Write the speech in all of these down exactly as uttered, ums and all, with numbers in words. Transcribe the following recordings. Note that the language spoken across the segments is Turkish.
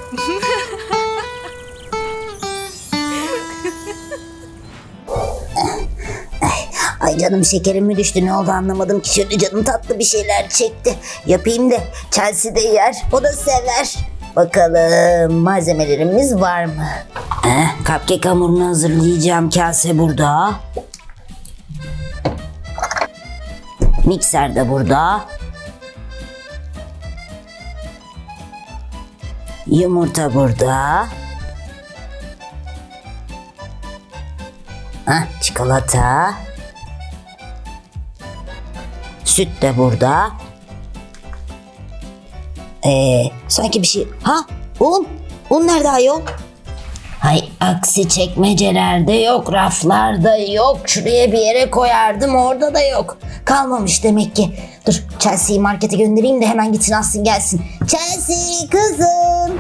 Ay canım, şekerim mi düştü, ne oldu anlamadım ki. Şöyle canım tatlı bir şeyler çekti. Yapayım da Chelsea de yer, o da sever. Bakalım malzemelerimiz var mı? Eh, cupcake hamurunu hazırlayacağım. Kase burada. Mikser de burada. Yumurta burada. Heh, çikolata. Süt de burada. Ee, sanki bir şey... Ha, un. Un nerede ayol? Hay aksi, çekmecelerde yok, raflarda yok. Şuraya bir yere koyardım, orada da yok. Kalmamış demek ki. Dur, Chelsea'yi markete göndereyim de hemen gitsin alsın gelsin. Chelsea kızım.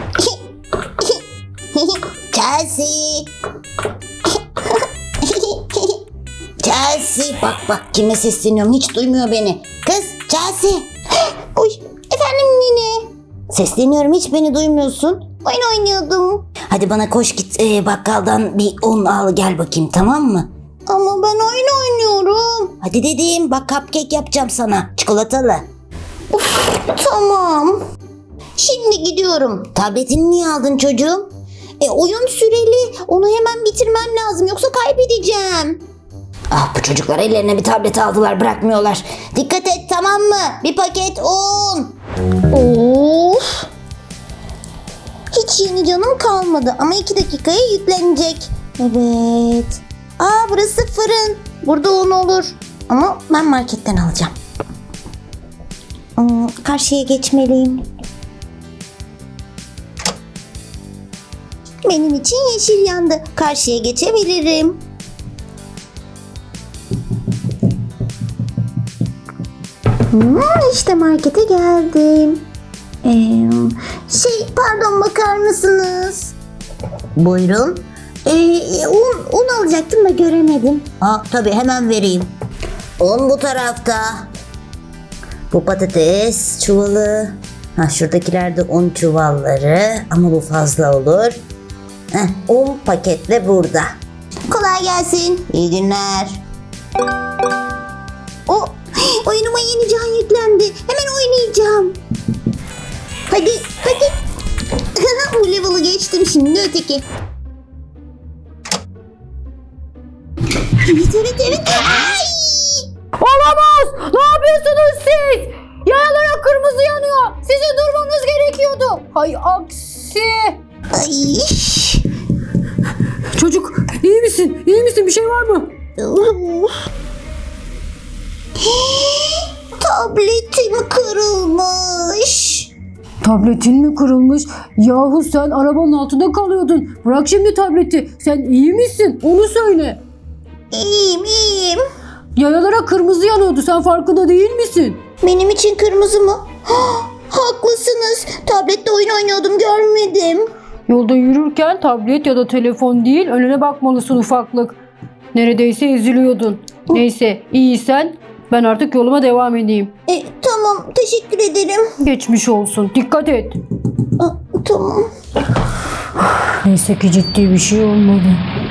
Chelsea. Chelsea. Bak bak, kime sesleniyorum, hiç duymuyor beni. Kız Chelsea. Uy, efendim nene. Sesleniyorum, hiç beni duymuyorsun. Oyun oynuyordum. Hadi bana koş git e, bakkaldan bir un al gel bakayım, tamam mı? Ama ben oyun oynuyorum. Hadi dedim, bak cupcake yapacağım sana, çikolatalı. Uf, tamam. Şimdi gidiyorum. Tabletini niye aldın çocuğum? E oyun süreli, onu hemen bitirmem lazım yoksa kaybedeceğim. Ah, bu çocuklar ellerine bir tablet aldılar, bırakmıyorlar. Dikkat et, tamam mı? Bir paket un. Of. Hiç yeni canım kalmadı ama iki dakikaya yüklenecek. Evet. Aa, burası fırın. Burada un olur. Ama ben marketten alacağım. Hmm, karşıya geçmeliyim. Benim için yeşil yandı. Karşıya geçebilirim. Hmm, işte markete geldim. Ee, şey pardon, bakar mısınız? Buyurun. Ee, un, un alacaktım da göremedim. Ha, tabii hemen vereyim. Un bu tarafta. Bu patates çuvalı. Ha, şuradakiler de un çuvalları ama bu fazla olur. Heh, un paketle burada. Kolay gelsin. İyi günler. O oyunuma yeni can yüklendi. Hemen oynayacağım. Hadi, hadi. Bu level'ı geçtim, şimdi öteki. Evet, evet, evet. Ay! Olamaz! Ne yapıyorsunuz siz? Yayalara kırmızı yanıyor. Sizin durmanız gerekiyordu. Hay aksi. Ay! Çocuk iyi misin? İyi misin? Bir şey var mı? Tabletim kırılmış. Tabletin mi kırılmış? Yahu sen arabanın altında kalıyordun. Bırak şimdi tableti. Sen iyi misin? Onu söyle. İyiyim, iyiyim. Yayalara kırmızı yanıyordu. Sen farkında değil misin? Benim için kırmızı mı? Haklısınız. Tablette oyun oynuyordum, görmedim. Yolda yürürken tablet ya da telefon değil, önüne bakmalısın ufaklık. Neredeyse eziliyordun. Neyse, iyiysen ben artık yoluma devam edeyim. E, tamam, teşekkür ederim. Geçmiş olsun. Dikkat et. A, tamam. Neyse ki ciddi bir şey olmadı.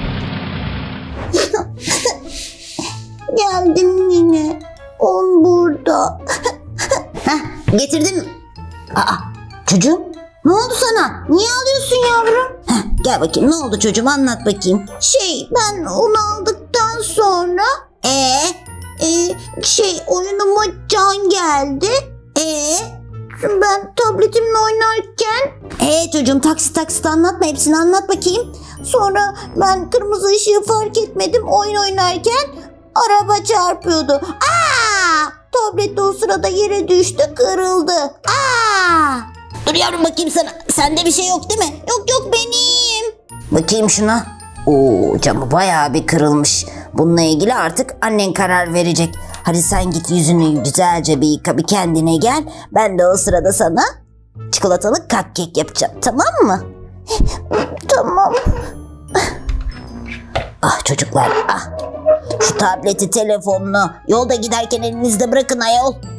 Geldim yine. On burada. Heh, getirdim. Aa, çocuğum, ne oldu sana? Niye ağlıyorsun yavrum? Heh, gel bakayım, ne oldu çocuğum, anlat bakayım. Şey, ben onu aldıktan sonra ee, e, şey oyunuma can geldi. Ee, ben tabletimle oynarken ee çocuğum, taksit taksit anlatma, hepsini anlat bakayım. Sonra ben kırmızı ışığı fark etmedim, oyun oynarken araba çarpıyordu. Aa! Tablet de o sırada yere düştü, kırıldı. Aa! Dur yavrum, bakayım sana. Sende bir şey yok değil mi? Yok yok, benim. Bakayım şuna. Oo, camı bayağı bir kırılmış. Bununla ilgili artık annen karar verecek. Hadi sen git yüzünü güzelce bir yıka, bir kendine gel. Ben de o sırada sana çikolatalı cupcake yapacağım, tamam mı? Tamam. Ah çocuklar, ah. Şu tableti, telefonunu yolda giderken elinizde bırakın ayol.